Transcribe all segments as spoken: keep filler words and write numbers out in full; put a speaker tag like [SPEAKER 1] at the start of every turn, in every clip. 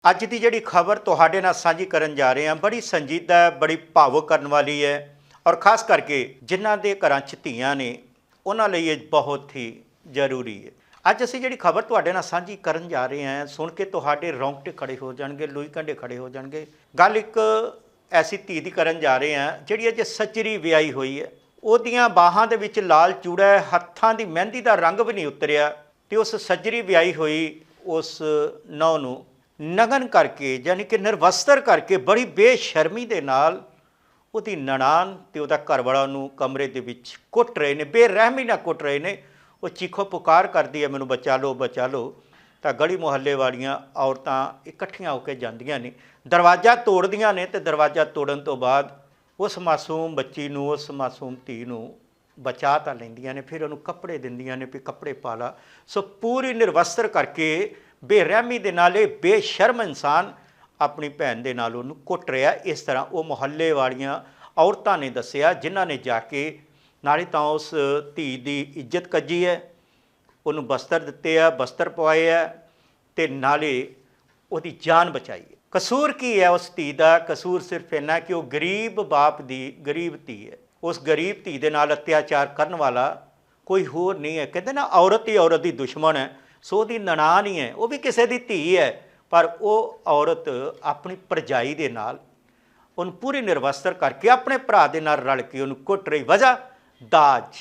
[SPEAKER 1] ਅੱਜ ਦੀ ਜਿਹੜੀ ਖਬਰ ਤੁਹਾਡੇ ਨਾਲ ਸਾਂਝੀ ਕਰਨ ਜਾ ਰਹੇ ਹਾਂ ਬੜੀ ਸੰਜੀਦਾ ਹੈ, ਬੜੀ ਭਾਵੁਕ ਕਰਨ ਵਾਲੀ ਹੈ ਔਰ ਖਾਸ ਕਰਕੇ ਜਿਨ੍ਹਾਂ ਦੇ ਘਰਾਂ 'ਚ ਧੀਆਂ ਨੇ ਉਹਨਾਂ ਲਈ ਇਹ ਬਹੁਤ ਹੀ ਜ਼ਰੂਰੀ ਹੈ। ਅੱਜ ਅਸੀਂ ਜਿਹੜੀ ਖਬਰ ਤੁਹਾਡੇ ਨਾਲ ਸਾਂਝੀ ਕਰਨ ਜਾ ਰਹੇ ਹਾਂ ਸੁਣ ਕੇ ਤੁਹਾਡੇ ਰੌਂਗਟੇ ਖੜੇ ਹੋ ਜਾਣਗੇ, ਲੂਈ ਕੰਢੇ ਖੜੇ ਹੋ ਜਾਣਗੇ। ਗੱਲ ਇੱਕ ਐਸੀ ਧੀ ਦੀ ਕਰਨ ਜਾ ਰਹੇ ਹਾਂ ਜਿਹੜੀ ਅਜੇ ਸੱਜਰੀ ਵਿਆਹੀ ਹੋਈ ਹੈ। ਉਹਦੀਆਂ ਬਾਹਾਂ ਦੇ ਵਿੱਚ ਲਾਲ ਚੂੜਾ ਹੈ, ਹੱਥਾਂ ਦੀ ਮਹਿੰਦੀ ਦਾ ਰੰਗ ਵੀ ਨਹੀਂ ਉਤਰਿਆ ਤੇ ਉਸ ਸੱਜਰੀ ਵਿਆਹੀ ਹੋਈ ਉਸ ਨੌਂ ਨੂੰ ਨਗਨ ਕਰਕੇ ਯਾਨੀ ਕਿ ਨਿਰਵਸਤਰ ਕਰਕੇ ਬੜੀ ਬੇਸ਼ਰਮੀ ਦੇ ਨਾਲ ਉਹਦੀ ਨਨਾਣ ਤੇ ਉਹਦਾ ਘਰਵਾਲਾ ਨੂੰ ਕਮਰੇ ਦੇ ਵਿੱਚ ਕੁੱਟ ਰਹੇ ਨੇ, ਬੇਰਹਿਮੀ ਨਾਲ ਕੁੱਟ ਰਹੇ ਨੇ। ਉਹ ਚੀਖੋ ਪੁਕਾਰ ਕਰਦੀ ਹੈ ਮੈਨੂੰ ਬਚਾ ਲਓ ਬਚਾ ਲਓ। ਤਾਂ ਗਲੀ ਮੁਹੱਲੇ ਵਾਲੀਆਂ ਔਰਤਾਂ ਇਕੱਠੀਆਂ ਹੋ ਕੇ ਜਾਂਦੀਆਂ ਨੇ, ਦਰਵਾਜ਼ਾ ਤੋੜਦੀਆਂ ਨੇ ਤੇ ਦਰਵਾਜ਼ਾ ਤੋੜਨ ਤੋਂ ਬਾਅਦ ਉਸ ਮਾਸੂਮ ਬੱਚੀ ਨੂੰ, ਉਸ ਮਾਸੂਮ ਧੀ ਨੂੰ ਬਚਾ ਤਾਂ ਲੈਂਦੀਆਂ ਨੇ, ਫਿਰ ਉਹਨੂੰ ਕੱਪੜੇ ਦਿੰਦੀਆਂ ਨੇ ਵੀ ਕੱਪੜੇ ਪਾ ਲਾ। ਸੋ ਪੂਰੀ ਨਿਰਵਸਤਰ ਕਰਕੇ ਬੇਰਹਿਮੀ ਦੇ ਨਾਲ ਇਹ ਬੇਸ਼ਰਮ ਇਨਸਾਨ ਆਪਣੀ ਭੈਣ ਦੇ ਨਾਲ ਉਹਨੂੰ ਕੁੱਟ ਰਿਹਾ। ਇਸ ਤਰ੍ਹਾਂ ਉਹ ਮੁਹੱਲੇ ਵਾਲੀਆਂ ਔਰਤਾਂ ਨੇ ਦੱਸਿਆ ਜਿਨ੍ਹਾਂ ਨੇ ਜਾ ਕੇ ਨਾਲੇ ਤਾਂ ਉਸ ਧੀ ਦੀ ਇੱਜ਼ਤ ਕੱਜੀ ਹੈ, ਉਹਨੂੰ ਬਸਤਰ ਦਿੱਤੇ ਆ, ਬਸਤਰ ਪਵਾਏ ਆ ਤੇ ਨਾਲੇ ਉਹਦੀ ਜਾਨ ਬਚਾਈ ਹੈ। ਕਸੂਰ ਕੀ ਹੈ ਉਸ ਧੀ ਦਾ? ਕਸੂਰ ਸਿਰਫ ਇੰਨਾ ਕਿ ਉਹ ਗਰੀਬ ਬਾਪ ਦੀ ਗਰੀਬ ਧੀ ਹੈ। ਉਸ ਗਰੀਬ ਧੀ ਦੇ ਨਾਲ ਅਤਿਆਚਾਰ ਕਰਨ ਵਾਲਾ ਕੋਈ ਹੋਰ ਨਹੀਂ ਹੈ। ਕਹਿੰਦੇ ਨਾ ਔਰਤ ਹੀ ਔਰਤ ਦੀ ਦੁਸ਼ਮਣ ਹੈ, ਸੋ ਉਹਦੀ ਨਨਾਣ ਹੀ ਹੈ, ਉਹ ਵੀ ਕਿਸੇ ਦੀ ਧੀ ਹੈ, ਪਰ ਉਹ ਔਰਤ ਆਪਣੀ ਭਰਜਾਈ ਦੇ ਨਾਲ ਉਹਨੂੰ ਪੂਰੀ ਨਿਰਵਸਤਰ ਕਰਕੇ ਆਪਣੇ ਭਰਾ ਦੇ ਨਾਲ ਰਲ ਕੇ ਉਹਨੂੰ ਕੁੱਟ ਰਹੀ। ਵਜ੍ਹਾ ਦਾਜ।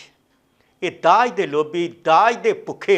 [SPEAKER 1] ਇਹ ਦਾਜ ਦੇ ਲੋਭੀ, ਦਾਜ ਦੇ ਭੁੱਖੇ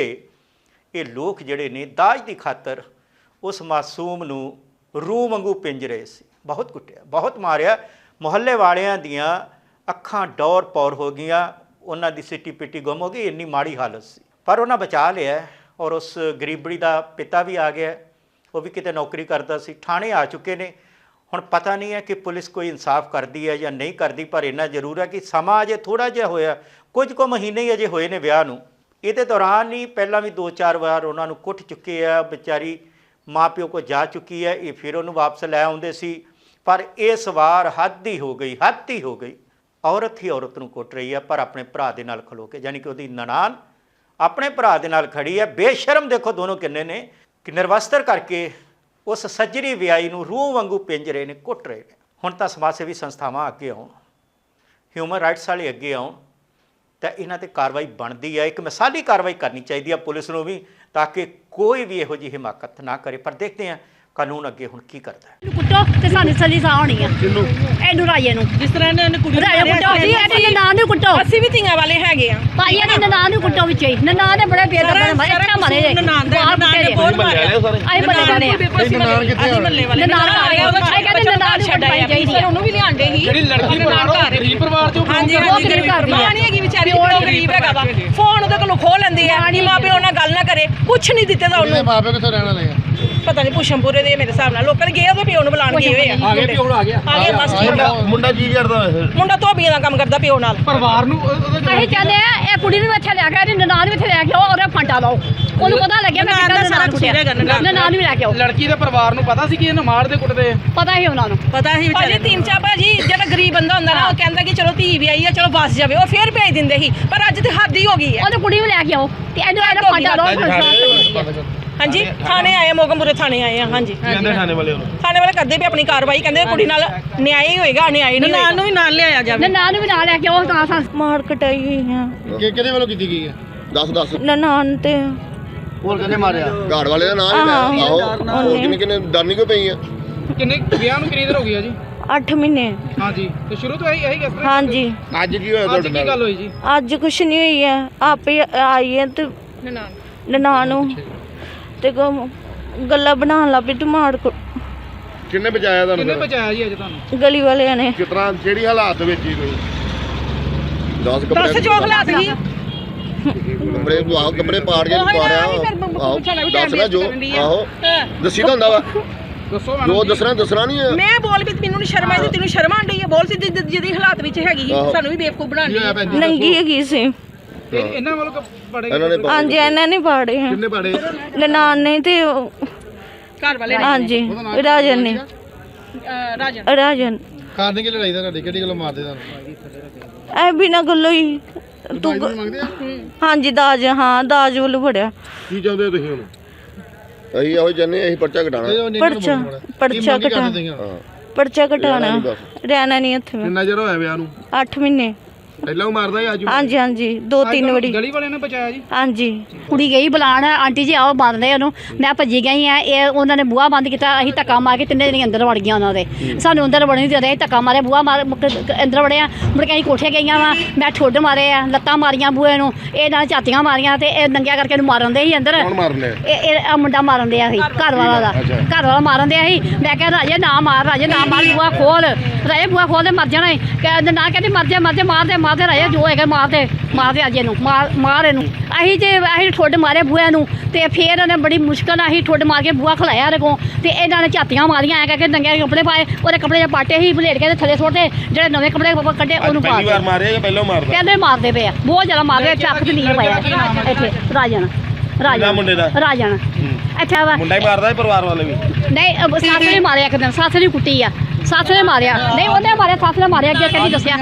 [SPEAKER 1] ਇਹ ਲੋਕ ਜਿਹੜੇ ਨੇ ਦਾਜ ਦੀ ਖਾਤਰ ਉਸ ਮਾਸੂਮ ਨੂੰ ਰੂਹ ਵਾਂਗੂ ਪਿੰਜ ਰਹੇ ਸੀ। ਬਹੁਤ ਕੁੱਟਿਆ, ਬਹੁਤ ਮਾਰਿਆ। ਮੁਹੱਲੇ ਵਾਲਿਆਂ ਦੀਆਂ ਅੱਖਾਂ ਡੌਰ ਪੌਰ ਹੋ ਗਈਆਂ, ਉਹਨਾਂ ਦੀ ਸਿੱਟੀ ਪਿੱਟੀ ਗੁੰਮ ਹੋ ਗਈ, ਇੰਨੀ ਮਾੜੀ ਹਾਲਤ ਸੀ। ਪਰ ਉਹਨਾਂ ਬਚਾ ਲਿਆ ਔਰ ਉਸ ਗਰੀਬੜੀ ਦਾ ਪਿਤਾ ਵੀ ਆ ਗਿਆ, ਉਹ ਵੀ ਕਿਤੇ ਨੌਕਰੀ ਕਰਦਾ ਸੀ, ਥਾਣੇ ਆ ਚੁੱਕੇ ਨੇ। ਹੁਣ ਪਤਾ ਨਹੀਂ ਹੈ ਕਿ ਪੁਲਿਸ ਕੋਈ ਇਨਸਾਫ ਕਰਦੀ ਹੈ ਜਾਂ ਨਹੀਂ ਕਰਦੀ, ਪਰ ਇੰਨਾ ਜ਼ਰੂਰ ਹੈ ਕਿ ਸਮਾਂ ਅਜੇ ਥੋੜ੍ਹਾ ਜਿਹਾ ਹੋਇਆ, ਕੁਝ ਕੁ ਮਹੀਨੇ ਹੀ ਅਜੇ ਹੋਏ ਨੇ ਵਿਆਹ ਨੂੰ। ਇਹਦੇ ਦੌਰਾਨ ਹੀ ਪਹਿਲਾਂ ਵੀ ਦੋ ਚਾਰ ਵਾਰ ਉਹਨਾਂ ਨੂੰ ਕੁੱਟ ਚੁੱਕੇ ਆ, ਵਿਚਾਰੀ ਮਾਂ ਪਿਓ ਕੋਲ ਜਾ ਚੁੱਕੀ ਹੈ, ਇਹ ਫਿਰ ਉਹਨੂੰ ਵਾਪਸ ਲੈ ਆਉਂਦੇ ਸੀ। ਪਰ ਇਸ ਵਾਰ ਹੱਦ ਹੀ ਹੋ ਗਈ, ਹੱਦ ਹੀ ਹੋ ਗਈ। ਔਰਤ ਹੀ ਔਰਤ ਨੂੰ ਕੁੱਟ ਰਹੀ ਹੈ, ਪਰ ਆਪਣੇ ਭਰਾ ਦੇ ਨਾਲ ਖਲੋ ਕੇ, ਯਾਨੀ ਕਿ ਉਹਦੀ ਨਨਾਣ ਆਪਣੇ ਭਰਾ ਦੇ ਨਾਲ ਖੜੀ ਹੈ। ਬੇਸ਼ਰਮ ਦੇਖੋ ਦੋਨੋਂ ਕਿੰਨੇ ਨੇ ਕਿ ਨਿਰਵਸਤਰ ਕਰਕੇ ਉਸ ਸੱਜਰੀ ਵਿਆਹੀ ਨੂੰ ਰੂਹ ਵਾਂਗੂ ਪਿੰਜ ਰਹੇ ਨੇ, ਕੁੱਟ ਰਹੇ ਨੇ। ਹੁਣ ਤਾਂ ਸਮਾਜ ਸੇਵੀ ਸੰਸਥਾਵਾਂ ਅੱਗੇ ਆਉਣ, ਹਿਊਮਨ ਰਾਈਟਸ ਵਾਲੇ ਅੱਗੇ ਆਉਣ ਤਾਂ ਇਹਨਾਂ 'ਤੇ ਕਾਰਵਾਈ ਬਣਦੀ ਹੈ। ਇੱਕ ਮਿਸਾਲੀ ਕਾਰਵਾਈ ਕਰਨੀ ਚਾਹੀਦੀ ਹੈ ਪੁਲਿਸ ਨੂੰ ਵੀ, ਤਾਂ ਕਿ ਕੋਈ ਵੀ ਇਹੋ ਜਿਹੀ ਹਿਮਾਕਤ ਨਾ ਕਰੇ। ਪਰ ਦੇਖਦੇ ਹਾਂ ਕਾਨੂੰਨ ਅੱਗੇ ਹੁਣ ਕੀ ਕਰਦਾ ਹੈ।
[SPEAKER 2] ਕੁੱਟੋ ਤੇ ਸਾਨੂੰ ਸਲੀ ਸਾਹ ਹੋਣੀ ਆ ਇਹਨੂੰ ਰਾਜੇ ਨੂੰ,
[SPEAKER 3] ਜਿਸ ਤਰ੍ਹਾਂ ਇਹਨੇ ਕੁੜੀ ਨੂੰ
[SPEAKER 2] ਰਾਜੇ ਕੁੱਟੋ ਜੀ, ਇਹਨੇ ਨਾਂ ਨੂੰ ਕੁੱਟੋ।
[SPEAKER 3] ਅਸੀਂ ਵੀ ਧੀਆਂ ਵਾਲੇ ਹੈਗੇ ਆ
[SPEAKER 2] ਭਾਈ ਇਹਨੇ ਨਾਂ ਨੂੰ ਕੁੱਟੋ ਵਿੱਚ ਹੀ, ਨਾਂ ਦੇ ਬੜੇ ਪੇਰ ਦਾ ਮਾਰੇ ਇੱਟਾਂ ਮਾਰੇ ਜੇ
[SPEAKER 3] ਨਨਾਣ ਦੇ ਨਨਾਣ ਦੇ ਬਹੁਤ ਮਾਰਿਆ
[SPEAKER 2] ਅਸੀਂ ਬੱਲੇ ਵਾਲੇ ਆ,
[SPEAKER 3] ਅਸੀਂ ਮੱਲੇ ਵਾਲੇ
[SPEAKER 2] ਨਨਾਣ ਆ ਰਿਹਾ, ਉਹ ਕਹਿੰਦੇ ਨਨਾਣ ਨੂੰ ਛੱਡਾਈ ਚਾਹੀਦੀ ਹੈ।
[SPEAKER 3] ਉਹਨੂੰ ਵੀ ਲਿਆਂਦੇ ਸੀ
[SPEAKER 4] ਜਿਹੜੀ ਲੜਕੀ ਪਰਿਵਾਰ ਗਰੀਬ ਪਰਿਵਾਰ ਚੋਂ
[SPEAKER 3] ਹਾਂਜੀ ਹਾਂਜੀ ਗਰੀਬ ਪਰਿਵਾਰ ਨਹੀਂ ਹੈਗੀ ਵਿਚਾਰੀ, ਉਹ ਗਰੀਬ ਹੈਗਾ ਵਾ। ਫੋਨ ਉਹਦੇ ਕੋਲੋਂ ਖੋਹ ਲੈਂਦੇ ਆ, ਨਹੀਂ ਮਾਂ ਪਿਓ ਨਾਲ ਗੱਲ ਨਾ ਕਰੇ, ਕੁਛ ਨਹੀਂ ਦਿੱਤੇ ਤਾਂ ਉਹਨੂੰ।
[SPEAKER 4] ਮਾਂ ਪਿਓ ਕਿੱਥੋਂ ਰਹਿਣ ਵਾਲੇ ਆ?
[SPEAKER 3] ਪਤਾ ਨਹੀਂ ਪੁਸ਼ਮਪੁਰੇ ਦੇ ਮੇਰੇ ਹਿਸਾਬ ਨਾਲ ਲੋਕਾਂ ਨੇ ਗਏ ਉਹਦੇ ਪਿਓ ਨੂੰ ਬੁਲਾਣ ਗਏ ਹੋਏ ਆ।
[SPEAKER 4] ਆ ਗਿਆ ਪਿਓ ਆ ਗਿਆ
[SPEAKER 3] ਆ ਗਿਆ ਬਸ
[SPEAKER 4] ਮੁੰਡਾ ਕੀ ਕਰਦਾ ਵੈਸੇ?
[SPEAKER 3] ਮੁੰਡਾ ਧੋਬੀਆਂ ਦਾ ਕੰਮ ਕਰਦਾ ਪਿਓ ਨਾਲ।
[SPEAKER 4] ਪਰਿਵਾਰ ਨੂੰ
[SPEAKER 2] ਅਸੀਂ ਚਾਹੁੰਦੇ ਆ ਇਹ ਕੁੜੀ ਨੂੰ ਇੱਥੇ ਲੈ ਕੇ ਆਓ, ਨਨਾਣ ਵੀ ਇੱਥੇ ਲੈ ਕੇ ਆਓ ਔਰ ਫਾਂਟਾ ਲਾਓ, ਉਹਨੂੰ ਪਤਾ ਲੱਗਿਆ ਮੈਂ ਕਿੱਦਾਂ ਨਨਾਣ ਕੁੱਟਿਆ। ਨਨਾਣ ਵੀ ਲੈ ਕੇ ਆਓ।
[SPEAKER 4] ਲੜਕੀ ਦੇ ਪਰਿਵਾਰ ਨੂੰ ਪਤਾ ਸੀ ਕਿ ਇਹਨੂੰ ਮਾਰਦੇ ਕੁੱਟਦੇ?
[SPEAKER 2] ਪਤਾ ਹੀ ਉਹਨਾਂ ਨੂੰ,
[SPEAKER 3] ਪਤਾ ਹੀ ਵਿਚਾਰੇ ਤਿੰਨ ਚਾਰ ਭਾਜੀ ਜਿਹੜਾ ਗਰੀਬ ਬੰਦਾ ਹੁੰਦਾ ਨਾ ਉਹ ਕਹਿੰਦਾ ਕਿ ਚਲੋ ਧੀ ਵੀ ਆਈ ਆ, ਚਲੋ ਬਸ ਜਾਵੇ, ਉਹ ਫੇਰ ਭੇਜ ਦਿੰਦੇ ਸੀ। ਪਰ ਅੱਜ ਤੇ ਹੱਦ ਹੀ ਹੋ ਗਈ ਹੈ।
[SPEAKER 2] ਉਹਨੂੰ ਕੁੜੀ ਨੂੰ ਲੈ ਕੇ ਆਓ ਤੇ ਇਹਨੂੰ ਇਹਦਾ ਫਾਂਟਾ ਲਾਓ।
[SPEAKER 3] ਹਾਂਜੀ ਥਾਣੇ ਆਏ, ਮੋਗਮਪੁਰੇ ਥਾਣੇ ਆਏ ਆ। ਹਾਂਜੀ
[SPEAKER 4] ਕਹਿੰਦੇ ਥਾਣੇ ਵਾਲੇ ਉਹਨੂੰ
[SPEAKER 3] ਥਾਣੇ ਵਾਲੇ ਕਰਦੇ ਵੀ ਆਪਣੀ ਕਾਰਵਾਈ, ਕਹਿੰਦੇ ਕੁੜੀ ਨਾਲ ਨਿਆਂ ਹੀ ਹੋਏਗਾ, ਨਿਆਂ ਨਹੀਂ ਹੋਏਗਾ। ਨਨਾਣ ਨੂੰ ਵੀ ਨਾਲ ਲਿਆਇਆ ਜਾਵੇ,
[SPEAKER 2] ਨਨਾਣ ਨੂੰ ਵੀ ਨਾਲ ਲੈ ਕੇ ਆਓ। ਤਾਂ
[SPEAKER 5] ਮਾਰ ਕਟਾਈ ਹੋਈ ਆ।
[SPEAKER 4] ਕਿ ਕਿਹਦੇ ਵੱਲੋਂ ਕੀਤੀ ਗਈ ਹੈ?
[SPEAKER 6] ਦਸ ਦਸ
[SPEAKER 5] ਨਨਾਣ ਤੇ
[SPEAKER 4] ਹੋਰ ਕਿਹਨੇ ਮਾਰਿਆ?
[SPEAKER 6] ਘਾੜ ਵਾਲੇ ਦਾ ਨਾਮ ਹੀ ਲੈ ਆਓ। ਹੋਰ ਕਿੰਨੇ ਕਿੰਨੇ ਡਰਨੀ ਕਿਉਂ ਪਈ ਆ?
[SPEAKER 4] ਕਿੰਨੇ ਵਿਆਹ ਨੂੰ ਕਿੰਨੀ ਦੇਰ ਹੋ ਗਈ ਆ ਜੀ?
[SPEAKER 5] ਅੱਠ ਮਹੀਨੇ।
[SPEAKER 4] ਹਾਂਜੀ ਤੇ ਸ਼ੁਰੂ ਤੋਂ ਇਹੀ ਇਹੀ ਕਿਸ ਤਰ੍ਹਾਂ?
[SPEAKER 5] ਹਾਂਜੀ
[SPEAKER 6] ਅੱਜ ਕੀ ਹੋਇਆ
[SPEAKER 4] ਅੱਜ
[SPEAKER 6] ਤੁਹਾਡੇ
[SPEAKER 4] ਕੀ
[SPEAKER 6] ਨਾਲ?
[SPEAKER 4] ਗੱਲ ਹੋਈ ਜੀ?
[SPEAKER 5] ਅੱਜ ਕੁਛ ਨਹੀਂ ਹੋਈ ਆ, ਆਪੇ ਆਈ ਹੈ ਤੇ
[SPEAKER 3] ਨਨਾਣ
[SPEAKER 5] ਨਨਾਣ ਨੂੰ ਤੇ ਗ- ਗੱਲਾਂ ਬਣਾਉਣ ਲੱਗ ਪਈ ਟਮਾੜ ਕੋ।
[SPEAKER 6] ਕਿੰਨੇ ਬਚਾਇਆ
[SPEAKER 4] ਕਿੰਨੇ
[SPEAKER 6] ਤੁਹਾਨੂੰ?
[SPEAKER 4] ਬਚਾਇਆ ਜੀ ਅੱਜ ਤੁਹਾਨੂੰ?
[SPEAKER 5] ਗਲੀ ਵਾਲਿਆਂ ਨੇ।
[SPEAKER 6] ਕਿਸ ਤਰ੍ਹਾਂ ਜਿਹੜੀ ਹਾਲਾਤ ਵਿੱਚ ਹੀ ਤੁਸੀਂ ਦਸ
[SPEAKER 3] ਦਸ
[SPEAKER 6] ਕੱਪੜੇ
[SPEAKER 3] ਜੋ ਹਾਲਾਤ ਸੀ
[SPEAKER 6] ਕੱਪੜੇ ਆਹੋ ਕੱਪੜੇ ਪਾੜ ਕੇ ਪਾੜਿਆ ਆਹੋ ਦੱਸ ਨਾ ਜੋ ਆਹੋ ਦੱਸੀ ਤਾਂ ਹੁੰਦਾ ਵਾ
[SPEAKER 4] ਦੱਸੋ ਮੈਨੂੰ
[SPEAKER 6] ਜੋ
[SPEAKER 4] ਜੀ।
[SPEAKER 6] ਦੱਸਣਾ ਦੱਸਣਾ ਨਹੀਂ ਹੈ।
[SPEAKER 3] ਮੈਂ ਬੋਲ ਵੀ ਮੈਨੂੰ ਨੀ ਸ਼ਰਮ ਆਈ ਤੇ ਤੈਨੂੰ ਸ਼ਰਮ ਆਂਦੀ ਹੈ। ਬੋਲ ਸੀ ਜਿ- ਜਿਹਦੀ ਹਾਲਾਤ ਵਿੱਚ ਹੈਗੀ ਸੀ,
[SPEAKER 6] ਆਹੋ।
[SPEAKER 3] ਸਾਨੂੰ ਵੀ ਬੇਵਕੂਫ ਬਣਾਉਣੀ ਹੈ।
[SPEAKER 5] ਨੰਗੀ ਹੈਗੀ ਸੀ।
[SPEAKER 4] ਤੇ ਇਹਨਾਂ ਵੱਲੋਂ ਪੜੇ
[SPEAKER 6] ਇਹਨਾਂ ਨੇ
[SPEAKER 5] ਹਾਂਜੀ ਇਹਨਾਂ ਨੇ ਪਾੜੇ ਆ,
[SPEAKER 4] ਕਿੰਨੇ ਪਾੜੇ?
[SPEAKER 5] ਨਨਾਣ ਨੇ ਤੇ ਉਹ-
[SPEAKER 3] ਘਰ ਵਾਲੇ ਨੇ,
[SPEAKER 5] ਹਾਂਜੀ ਰਾਜਨ ਨੇ,
[SPEAKER 3] ਅਹ, ਰਾਜਨ
[SPEAKER 5] ਰਾਜਨ
[SPEAKER 4] ਕਾਰਨ ਕੀ ਲੜਾਈ ਦਾ ਤੁਹਾਡੀ? ਕਿਹੜੀ ਗੱਲੋਂ ਮਾਰਦੇ ਤੁਹਾਨੂੰ?
[SPEAKER 5] ਐ ਬਿਨਾਂ ਗੱਲੋਂ ਹੀ ਤੂੰ
[SPEAKER 4] ਮੰਗਦੇ ਆ?
[SPEAKER 5] ਹਾਂਜੀ ਦਾਜ, ਹਾਂ ਦਾਜ ਵੱਲੋਂ ਫੜਿਆ।
[SPEAKER 6] ਕੀ ਚਾਹੁੰਦੇ ਹੋ ਤੁਸੀਂ ਹੁਣ? ਅਸੀਂ ਇਹੋ ਚਾਹੁੰਦੇ ਅਸੀਂ ਪਰਚਾ ਘਟਾਣਾ
[SPEAKER 5] ਪਰਚਾ ਪਰਚਾ ਘਟਾ ਪਰਚਾ ਘਟਾਣਾ ਰਹਿਣਾ ਨਹੀਂ ਇੱਥੇ ਮੈਂ
[SPEAKER 4] ਕਿੰਨਾ ਚਿਰ ਹੋਇਆ ਵਿਆਹ ਨੂੰ?
[SPEAKER 5] ਅੱਠ ਮਹੀਨੇ
[SPEAKER 4] ਪਹਿਲਾਂ ਉਹ ਮਾਰਦਾ ਸੀ ਅੱਜ
[SPEAKER 5] ਹਾਂਜੀ ਹਾਂਜੀ ਦੋ ਤਿੰਨ ਵਾਰੀ
[SPEAKER 4] ਗਲੀ ਵਾਲਿਆਂ ਨੇ ਬਚਾਇਆ ਜੀ?
[SPEAKER 5] ਹਾਂਜੀ
[SPEAKER 2] ਕੁੜੀ ਗਈ ਬੁਲਾਉਣ ਆਂਟੀ ਜੀ ਆਓ ਬੰਦ ਰਹੇ ਉਹਨੂੰ ਮੈਂ ਭੱਜੀ ਗਈ ਆ ਇਹ ਉਹਨਾਂ ਨੇ ਬੂਹਾ ਬੰਦ ਕੀਤਾ ਅਸੀਂ ਧੱਕਾ ਮਾਰ ਕੇ ਤਿੰਨੇ ਜਣੇ ਅੰਦਰ ਵੜ ਗਈਆਂ ਉਹਨਾਂ ਦੇ ਸਾਨੂੰ ਅੰਦਰ ਵੜਨ ਨਹੀਂ ਦੇ ਰਹੇ ਧੱਕਾ ਮਾਰੇ ਬੂਹਾ ਮਾਰ ਮੁੜ ਕੇ ਅੰਦਰ ਵੜਿਆ ਮੁੜ ਕੇ ਅਸੀਂ ਕੋਠੇ ਗਈਆਂ ਵਾ ਮੈਂ ਠੁੱਡ ਮਾਰੇ ਆ ਲੱਤਾਂ ਮਾਰੀਆਂ ਬੂਹੇ ਨੂੰ ਇਹ ਨਾਲ ਝਾਤੀਆਂ ਮਾਰੀਆਂ ਤੇ ਇਹ ਨੰਗਿਆ ਕਰਕੇ ਇਹਨੂੰ ਮਾਰਨ ਦੇ ਸੀ ਅੰਦਰ
[SPEAKER 4] ਕੌਣ ਮਾਰਨੇ?
[SPEAKER 2] ਇਹ ਇਹ ਆਹ ਮੁੰਡਾ ਮਾਰਨ ਦਿਆ ਸੀ ਘਰ ਵਾਲਾ ਦਾ ਘਰ ਵਾਲਾ ਮਾਰਨ ਦਿਆ ਸੀ ਮੈਂ ਕਿਹਾ ਰਾਜੇ ਨਾ ਮਾਰ ਰਾਜੇ ਨਾ ਮਾਰ ਬੂਹਾ ਖੋਲ ਰਾਜੇ ਬੂਹਾ ਖੋਲ ਦੇ ਮਰ ਜਾਣਾ ਈ। ਕਹਿੰਦੇ ਨਾ ਕਹਿੰਦੀ ਮਰ ਜਾ ਮਰ ਜਾ ਮਾਰ ਦੇ ਮਾਰ ਦੇ ਰਾਜੇ ਜੋ ਹੈਗਾ ਮਾਰ ਦੇ ਮਾਰ ਦੇ ਅੱਜ ਇਹਨੂੰ ਮਾਰ ਮਾਰ ਇਹਨੂੰ ਅਸੀਂ ਤੇ ਅਸੀਂ ਠੁੱਡ ਮਾਰੇ ਬੂਹੇ ਨੂੰ ਤੇ ਫਿਰ ਉਹਨੇ ਬੜੀ ਮੁਸ਼ਕਲ ਨਾਲ ਅਸੀਂ ਠੁੱਡ ਮਾਰ ਕੇ ਬੂਹਾ ਖਲਾਇਆ ਇਹਦੇ ਕੋਲ ਤੇ ਇਹਨਾਂ ਨੇ ਝਾਤੀਆਂ ਮਾਰੀਆਂ ਐ ਕਰਕੇ ਨੰਗੇ ਕੱਪੜੇ ਪਾਏ ਉਹਦੇ ਕੱਪੜੇ ਜੇ ਪਾਟੇ ਸੀ ਭਲੇਟ ਕੇ ਥੱਲੇ ਸੁੱਟਦੇ ਜਿਹੜੇ ਨਵੇਂ ਕੱਪੜੇ ਕੱਢੇ ਉਹਨੂੰ ਪਾ
[SPEAKER 4] ਪਹਿਲੀ ਵਾਰ ਮਾਰਿਆ ਜਾਂ ਪਹਿਲਾਂ ਮਾਰਦਾ?
[SPEAKER 2] ਕਹਿੰਦੇ ਮਾਰਦੇ ਪਏ ਆ ਬਹੁਤ ਜ਼ਿਆਦਾ ਮਾਰਦੇ ਚੱਕ ਤੇ ਨਹੀਂ ਪਾਇਆ ਇੱਥੇ ਰਾਜਨ ਰਾਜਨ
[SPEAKER 4] ਮੁੰਡੇ ਦਾ?
[SPEAKER 2] ਰਾਜਨ ਇੱਥੇ ਵਾ
[SPEAKER 4] ਮੁੰਡਾ ਹੀ ਮਾਰਦਾ ਹੈ ਪਰਿਵਾਰ ਵਾਲੇ ਵੀ?
[SPEAKER 2] ਨਹੀਂ ਅਹ ਸੱਸ ਨੇ ਮਾਰਿਆ ਇੱਕ ਦਿਨ ਸੱਸ ਨੇ ਕੁੱਟੀ ਆ ਸੱਸ ਨੇ ਮਾਰਿਆ ਨਹੀਂ ਉਹਨੇ ਮਾਰਿਆ ਸੱਸ ਨੇ ਮਾਰਿਆ ਅੱਗੇ ਕਹਿੰਦੀ ਦੱਸਿਆ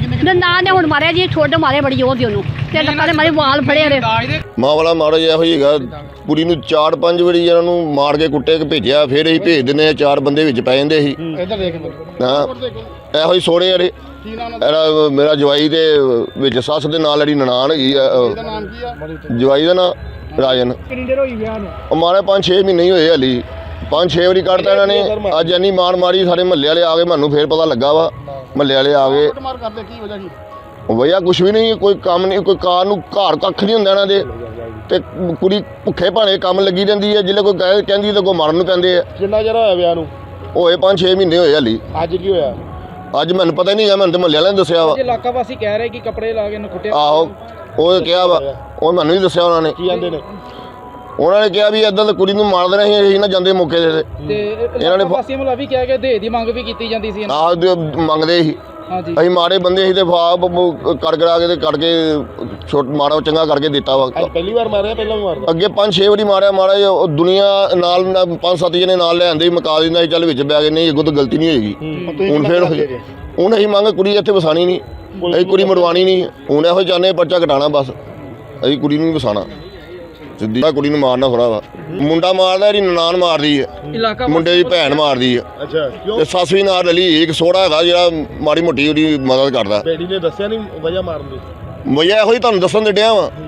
[SPEAKER 2] ਨਾ ਨੇ ਹੁਣ ਮਾਰਿਆ ਜੀ ਠੁੱਡ ਮਾਰੇ ਬੜੀ ਜ਼ੋਰ ਦੀ ਉਹਨੂੰ ਤੇ ਲੱਕਾਂ ਦੇ ਮਾਰੇ ਵਾਲ ਫੜੇ ਉਹਦੇ
[SPEAKER 6] ਮਾਂ ਵਾਲਾ ਮਾੜਾ ਜਿਹਾ ਇਹੋ ਹੀ ਹੈਗਾ ਕੁੜੀ ਨੂੰ ਚਾਰ ਪੰਜ ਵਾਰੀ ਇਹਨਾਂ ਨੂੰ ਮਾਰ ਕੇ ਕੁੱਟੇ ਕੇ ਭੇਜਿਆ ਫਿਰ ਅਸੀਂ ਭੇਜ ਦਿੰਦੇ ਹਾਂ ਚਾਰ ਬੰਦੇ ਵਿੱਚ ਪੈ ਜਾਂਦੇ ਸੀ
[SPEAKER 4] ਇੱਧਰ ਦੇਖ
[SPEAKER 6] ਹਾਂ ਇਹੋ ਹੀ ਸੋਹਣੇ ਵਾਲੇ ਇਹਦਾ ਮੇਰਾ ਜਵਾਈ ਦੇ ਵਿੱਚ ਸੱਸ ਦੇ ਨਾਲ ਜਿਹੜੀ ਨਨਾਣ ਹੈਗੀ ਆ ਅਹ,
[SPEAKER 4] ਨਾਮ ਕੀ ਆ?
[SPEAKER 6] ਜਵਾਈ ਦਾ ਨਾਂ ਰਾਜਨ।
[SPEAKER 4] ਕਿੰਨੀ ਦੇਰ ਹੋਈ ਵਿਆਹ ਨੂੰ?
[SPEAKER 6] ਉਹ ਮਾਰੇ ਪੰਜ ਛੇ ਮਹੀਨੇ ਹੀ ਹੋਏ ਹਾਲੀ ਪੰਜ ਛੇ ਵਾਰੀ ਕੱਢਤਾ ਇਹਨਾਂ ਨੇ ਅੱਜ ਇੰਨੀ ਮਾਰ ਮਾਰੀ ਸਾਰੇ ਮਹੱਲੇ ਵਾਲੇ ਆ ਗਏ ਮੈਨੂੰ ਫੇਰ ਪਤਾ ਲੱਗਾ ਵਾ ਮਹੱਲੇ ਵਾਲੇ ਆ ਗਏ
[SPEAKER 4] ਮਾਰ ਕਰਦੇ ਕੀ ਵਜ੍ਹਾ ਕੀ?
[SPEAKER 6] ਵਈਆ ਕੁਛ ਵੀ ਨਹੀਂ ਕੋਈ ਕੰਮ ਨਹੀਂ ਕੋਈ ਕਾਰ ਨੂੰ ਘਰ ਕੱਖ ਨਹੀਂ ਹੁੰਦਾ ਇਹਨਾਂ ਦੇ ਤੇ ਕੁੜੀ ਭੁੱਖੇ ਭਾਣੇ ਕੰਮ ਲੱਗੀ ਰਹਿੰਦੀ ਹੈ ਜਿੱਲੇ ਕੋਈ ਕਹਿ ਕਹਿੰਦੀ ਤਾਂ ਕੋਈ ਮਾਰਨ ਨੂੰ ਪੈਂਦੇ ਆ।
[SPEAKER 4] ਕਿੰਨਾ ਚਿਰ ਹੋਇਆ ਵਿਆਹ ਨੂੰ?
[SPEAKER 6] ਹੋਏ ਪੰਜ ਛੇ ਮਹੀਨੇ ਹੋਏ ਹਾਲੀ।
[SPEAKER 4] ਅੱਜ ਕੀ ਹੋਇਆ?
[SPEAKER 6] ਅੱਜ ਮੈਨੂੰ ਪਤਾ ਹੀ ਨਹੀਂ ਹੈ ਮੈਨੂੰ ਤਾਂ ਮਹੱਲੇ ਵਾਲਿਆਂ ਨੇ ਦੱਸਿਆ ਵਾ।
[SPEAKER 4] ਇਲਾਕਾ ਵਾਸੀ ਕਹਿ ਰਹੇ ਕਿ ਕੱਪੜੇ ਲਾ ਕੇ ਇਹਨੂੰ ਕੁੱਟਿਆ।
[SPEAKER 6] ਆਹੋ ਉਹ ਕਿਹਾ ਵਾ ਉਹ ਮੈਨੂੰ ਨਹੀਂ ਦੱਸਿਆ ਉਹਨਾਂ ਨੇ।
[SPEAKER 4] ਕੀ ਕਹਿੰਦੇ ਨੇ?
[SPEAKER 6] ਉਹਨਾਂ ਨੇ ਕਿਹਾ ਵੀ ਇੱਦਾਂ ਤਾਂ ਕੁੜੀ ਨੂੰ ਮਾਰ ਦੇਣਾ ਸੀ ਅਸੀਂ ਨਾ ਜਾਂਦੇ ਮੌਕੇ ਦੇ
[SPEAKER 4] ਤੇ
[SPEAKER 6] ਇਹਨਾਂ ਨੇ
[SPEAKER 4] ਵਾਸੀਆਂ ਵੱਲੋਂ ਵੀ ਕਿਹਾ ਗਿਆ ਦੇ ਦੀ ਮੰਗ ਵੀ ਕੀਤੀ ਜਾਂਦੀ ਸੀ।
[SPEAKER 6] ਆਹ ਦੇ ਮੰਗਦੇ ਸੀ
[SPEAKER 4] ਹਾਂਜੀ
[SPEAKER 6] ਅਸੀਂ ਮਾੜੇ ਬੰਦੇ ਸੀ ਤੇ ਫਾਬ ਕਰ ਕਰਾ ਕੇ ਤੇ ਕੱਢ ਕੇ ਛੋਟ ਮਾੜਾ ਚੰਗਾ ਕਰਕੇ ਦਿੱਤਾ ਵਾ।
[SPEAKER 4] ਪਹਿਲੀ ਵਾਰ ਮਾਰਿਆ ਪਹਿਲਾਂ ਵੀ ਮਾਰਦਾ?
[SPEAKER 6] ਅੱਗੇ ਪੰਜ ਛੇ ਵਾਰੀ ਮਾਰਿਆ ਮਾੜਾ ਜਿਹਾ ਉਹ ਦੁਨੀਆ ਨਾਲ ਨਾ ਪੰਜ ਸੱਤ ਜਣੇ ਨਾਲ ਲੈ ਆਂਦੇ ਮਕਾ ਦਿੰਦਾ ਸੀ ਚੱਲ ਵਿੱਚ ਬੈ ਗਏ ਨਹੀਂ ਅੱਗੋਂ ਤਾਂ ਗਲਤੀ ਨਹੀਂ ਹੋਏਗੀ। ਹੁਣ ਫੇਰ ਹੁਣ ਅਸੀਂ ਮੰਗ ਕੁੜੀ ਇੱਥੇ ਵਸਾਣੀ ਨਹੀਂ ਅਸੀਂ ਕੁੜੀ ਮਰਵਾਣੀ ਨਹੀਂ ਹੁਣ ਇਹੋ ਚਾਹੁੰਦੇ ਪਰਚਾ ਘਟਾਣਾ ਬਸ ਅਸੀਂ ਕੁੜੀ ਨੂੰ ਨਹੀਂ ਵਸਾਣਾ ਸਿੱਧੀ ਕੁੜੀ ਨੂੰ ਮਾਰਨਾ ਥੋੜਾ ਵਾ ਮੁੰਡਾ ਮਾਰਦਾ ਇਹਦੀ ਨਨਾਣ ਮਾਰਦੀ ਹੈ ਮੁੰਡੇ ਦੀ ਭੈਣ ਮਾਰਦੀ ਹੈ।
[SPEAKER 4] ਅੱਛਾ ਕਿਉਂ?
[SPEAKER 6] ਤੇ ਸੱਸ ਵੀ ਨਾਲ ਰਲੀ ਇੱਕ ਸੋਹਣਾ ਹੈਗਾ ਜਿਹੜਾ ਮਾੜੀ ਮੋਟੀ ਉਹਦੀ ਮਦਦ ਕਰਦਾ।
[SPEAKER 4] ਬੇੜੀ ਨੇ ਦੱਸਿਆ ਨਹੀਂ ਵਜ੍ਹਾ ਮਾਰਨ ਦੀ?
[SPEAKER 6] ਵਜ੍ਹਾ ਇਹੋ ਹੀ ਤੁਹਾਨੂੰ ਦੱਸਣ ਦੇ ਡਿਆ ਵਾਂ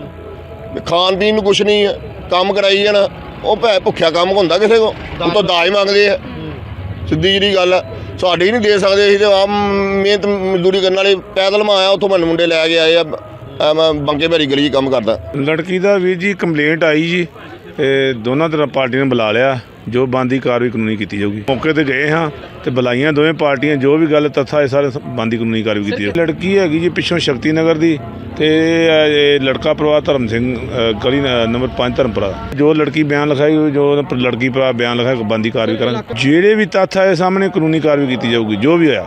[SPEAKER 6] ਖਾਣ ਪੀਣ ਨੂੰ ਕੁਛ ਨਹੀਂ ਹੈ ਕੰਮ ਕਰਾਈ ਜਾਣਾ ਉਹ ਭੈ ਭੁੱਖਿਆ ਕੰਮ ਹੁੰਦਾ ਕਿਸੇ ਕੋ ਉਹ ਤਾਂ ਦਾਜ ਮੰਗਦੇ ਆ ਸਿੱਧੀ ਜਿਹੜੀ ਗੱਲ ਆ ਸਾਡੇ ਹੀ ਨਹੀਂ ਦੇ ਸਕਦੇ ਅਸੀਂ ਤੇ ਆ ਮਿਹਨਤ ਮਜ਼ਦੂਰੀ ਕਰਨ ਵਾਲੇ ਪੈਦਲ ਮੈਂ ਆਇਆ ਉੱਥੋਂ ਮੈਨੂੰ ਮੁੰਡੇ ਲੈ ਕੇ ਆਏ ਆ ਆ ਮੈਂ ਬੰਕੇ ਭੈਰੀ ਗਲੀ 'ਚ ਕੰਮ ਕਰਦਾ।
[SPEAKER 7] ਲੜਕੀ ਦਾ ਵੀਰ ਜੀ ਕੰਪਲੇਂਟ ਆਈ ਜੀ ਤੇ ਦੋਨਾਂ ਤਰ੍ਹਾਂ ਪਾਰਟੀਆਂ ਨੇ ਬੁਲਾ ਲਿਆ ਜੋ ਬਣਦੀ ਕਾਰਵਾਈ ਕਾਨੂੰਨੀ ਕੀਤੀ ਜਾਊਗੀ। ਮੌਕੇ ਤੇ ਗਏ ਹਾਂ ਤੇ ਬੁਲਾਈਆਂ ਦੋਵੇਂ ਪਾਰਟੀਆਂ ਜੋ ਵੀ ਗੱਲ ਤੱਥਾ ਇਹ ਸਾਰੇ ਬਣਦੀ ਕਾਨੂੰਨੀ ਕਾਰਵਾਈ ਕੀਤੀ ਜਾਊਗੀ। ਲੜਕੀ ਹੈਗੀ ਜੀ ਪਿੱਛੋਂ ਸ਼ਕਤੀ ਨਗਰ ਦੀ ਤੇ ਇਹ ਲੜਕਾ ਪਰਿਵਾਰ ਧਰਮ ਸਿੰਘ ਅ, ਗਲੀ ਨ- ਨੰਬਰ ਪੰਜ ਧਰਮਪੁਰਾ ਜੋ ਲੜਕੀ ਬਿਆਨ ਲਿਖਾਈ ਜੋ ਲੜਕੀ ਭਰਾ ਬਿਆਨ ਲਿਖਾਇਆ ਬਣਦੀ ਕਾਰਵਾਈ ਕਰਾਂਗੇ ਜਿਹੜੇ ਵੀ ਤੱਥ ਆਏ ਸਾਹਮਣੇ ਕਾਨੂੰਨੀ ਕਾਰਵਾਈ ਕੀਤੀ ਜਾਊਗੀ ਜੋ ਵੀ ਹੋਇਆ।